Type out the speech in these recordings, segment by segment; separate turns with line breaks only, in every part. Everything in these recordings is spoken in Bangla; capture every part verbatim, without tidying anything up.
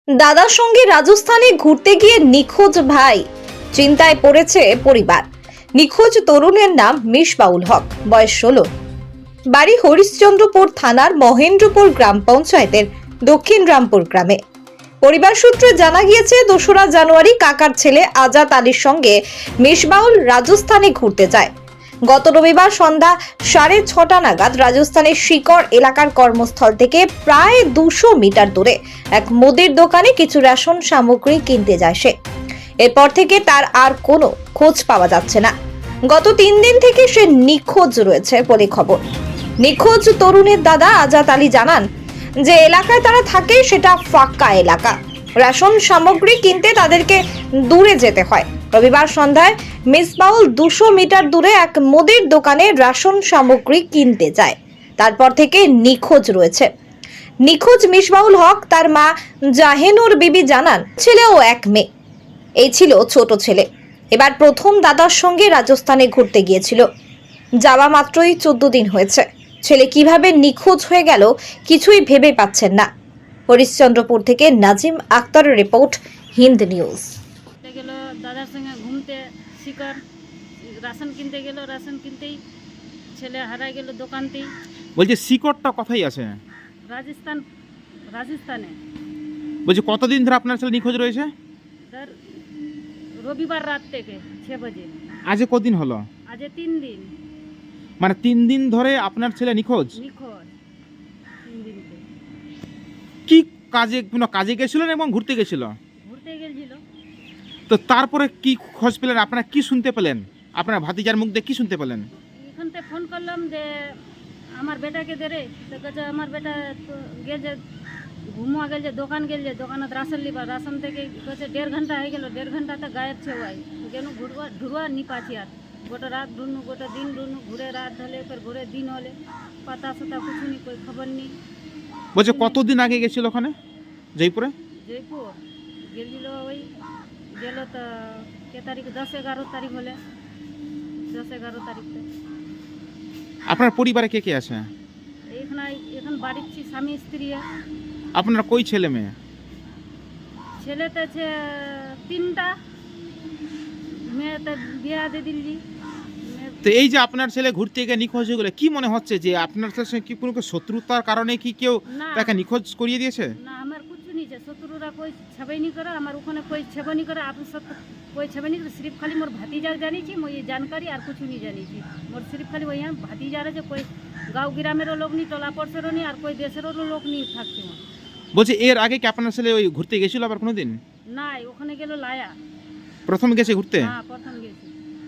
দাদার সঙ্গে রাজস্থানে ঘুরতে গিয়ে নিখোঁজ ভাই, চিন্তায় পড়েছে পরিবার। নিখোঁজ তরুণের নাম মিসবাউল হক, বয়স ষোলো, বাড়ি হরিশ্চন্দ্রপুর থানার মহেন্দ্রপুর গ্রাম পঞ্চায়েতের দক্ষিণ রামপুর গ্রামে। পরিবার সূত্রে জানা গিয়েছে, দোসরা জানুয়ারি কাকার ছেলে আজাদ আলীর সঙ্গে মিসবাউল রাজস্থানে ঘুরতে যায়। গত রবিবার সন্ধ্যা সাড়ে ছটা নাগাদ রাজস্থানের শিকর এলাকার কর্মস্থল থেকে প্রায় দুশো মিটার দূরে এক মুদির দোকানে কিছু রেশন সামগ্রী কিনতে যায় সে। এরপর থেকে তার আর কোনো খোঁজ পাওয়া যাচ্ছে না। গত তিন দিন থেকে সে নিখোঁজ রয়েছে বলে খবর। নিখোঁজ তরুণের দাদা আজাদ আলী জানান যে এলাকায় তারা থাকে সেটা ফাঁকা এলাকা, রেশন সামগ্রী কিনতে তাদেরকে দূরে যেতে হয়। রবিবার সন্ধ্যায় মিসবাউল দুশো মিটার দূরে এক মুদির দোকানে রেশন সামগ্রী কিনতে যায়, তারপর থেকে নিখোঁজ রয়েছে। নিখোঁজ মিসবাউল হক তার মা জাহেনুর বিবি জানান, ছেলে ও এক মেয়ে, এই ছিল ছোট ছেলে। এবার প্রথম দাদার সঙ্গে রাজস্থানে ঘুরতে গিয়েছিল, যাওয়া মাত্রই চোদ্দ দিন হয়েছে। ছেলে কিভাবে নিখোঁজ হয়ে গেল কিছুই ভেবে পাচ্ছেন না। হরিশ্চন্দ্রপুর থেকে নাজিম আক্তারের রিপোর্ট, হিন্দ নিউজ।
গেল দাদার সঙ্গে ঘুমতে, শিকার রাশন কিনতে গেল, রাশন কিনতেই ছেলে হারাই গেল দোকানতেই।
বলছি শিকড়টা কোথায় আছে?
রাজস্থান, রাজস্থানে।
বলছি কতদিন ধরে আপনার ছেলে নিখোঁজ রয়েছে?
ধর রবিবার রাত থেকে ছ বাজে।
আজে কদিন হলো?
আজ তিন দিন
মানে তিন দিন ধরে আপনার ছেলে নিখোঁজ।
নিখোঁজ তিন দিনতে।
কি কাজে, কোনো কাজে গেছিলেন এবং ঘুরতে গেছিল?
ঘুরতে গেছিল।
তো তারপরে কি খোঁজ পেলেন? আপনারা কি শুনতে পেলেন? আপনার ভাতিজার মুখ দিয়ে কি শুনতে পেলেন?
এখান থেকে ফোন করলাম যে আমার বেটাকে দে রে, তো কাছে আমার বেটা তো গেছে ঘুমা গেল, যে দোকান গেল, যে দোকানত রাশন লিবা, রাশন থেকে কাছে দেড় ঘন্টা হয়ে গেল, দেড় ঘন্টাতে গায়েব ছে ভাই। কেন ঘুরবা ঢুরবা নি পাছি আর গোটা রাত ঢুনু, গোটা দিন ঢুনু, ঘুরে রাত হলে ফের ঘুরে দিন হলে, পাতা সাতা কিছু নি, কই খবর নেই।
বলছে কতদিন আগে গেছিল ওখানে জয়পুরে?
জয়পুর গেছিল, ওই গেল তো কে তারিখ, দশ এগারো তারিখ হলে, দশ এগারো তারিখতে।
আপনার পরিবারে কে কে আছে?
এইখানে এখন বাড়ির ছি স্বামী স্ত্রী,
আপনার কই ছেলে মেয়ে?
ছেলেতে আছে তিনটা, মেয়েতে বিয়া দিয়ে দিল্লি।
তো এই যে আপনার ছেলে ঘুরতে গিয়ে নিখোঁজ হয়ে গেল, কি মনে হচ্ছে যে আপনার ছেলের সঙ্গে কি কোনো শত্রুতার কারণে কি কেউ
না
তাকে নিখোঁজ করিয়ে দিয়েছে?
না, আমার কিছু नहीं है, शत्रुरा कोई छेबे नहीं करे, আমার ওখানে कोई छेबे नहीं करे, आप सब कोई छेबे नहीं करे। सिर्फ खाली मोर भतीजा जानी छी, मैं ये जानकारी और कुछ नहीं जानी छी। मोर सिर्फ खाली वही भतीजा रे, जो कोई गांव ग्रामेरो लोग नहीं, टोला पड़सेरो नहीं, और कोई देशेरो लोग नहीं থাকছে।
বলছি এর আগে কি আপনার ছেলে ওই ঘুরতে গেছিল আবার কোনোদিন?
না, ওখানে গেল লায়া,
প্রথম গেছে ঘুরতে?
হ্যাঁ প্রথম গেছি,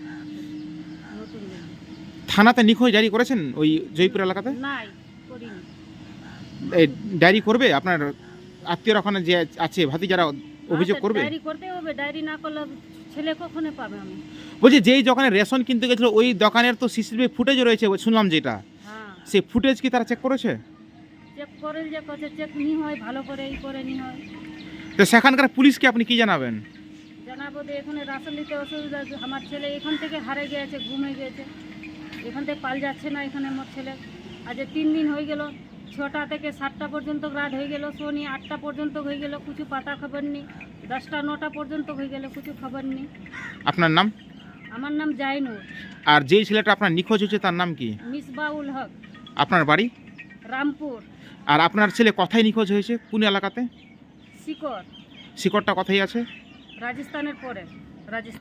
নতুন গেছি।
থানাতে নিখোঁজ ডায়েরি করেছেন ওই জয়পুর এলাকাতে?
নাই করিনি।
এই ডায়েরি করবে আপনার আত্মীয়রা ওখানে যে আছে, ভাতিজারা অভিযোগ করবে?
ডায়েরি করতে হবে, ডায়েরি না করলে ছেলে কখনো পাবে আমি।
বলছি যেই দোকানে রেশন কিনতে গেছিল ওই দোকানের তো সিসিটিভি ফুটেজ রয়েছে শুনলাম, যেটা
হ্যাঁ
সেই ফুটেজ কি তারা চেক করেছে?
চেক করে, যে কাছে চেক নি হয় ভালো করে, এই করে নি হয়।
তো সেখানকার পুলিশকে আপনি কি জানাবেন?
জানাবো যে এখানে রাশন নিতে অসুবিধা, আমার ছেলে এখান থেকে হারে গিয়েছে, ঘুমে গিয়েছে, এখান থেকে পাল যাচ্ছে না এখানে আমার ছেলে। আজ তিন দিন হয়ে গেল, ছটা থেকে সাতটা পর্যন্ত রাত হয়ে গেল, শনি আটটা পর্যন্ত হয়ে গেল, কিছু পাতা খবর নেই। দশটা নটা পর্যন্ত হয়ে গেল, কিছু খবর নেই।
আপনার নাম?
আমার নাম জাইনুর।
আর যেই ছেলেটা আপনার নিখোঁজ হয়েছে তার নাম কি?
মিসবাউল হক,
আপনার বাড়ি?
রামপুর।
আর আপনার ছেলে কোথায় নিখোঁজ হয়েছে, কোন এলাকাতে?
শিকর,
শিকড়টা কোথায় আছে?
রাজস্থানের পরে, রাজস্থান।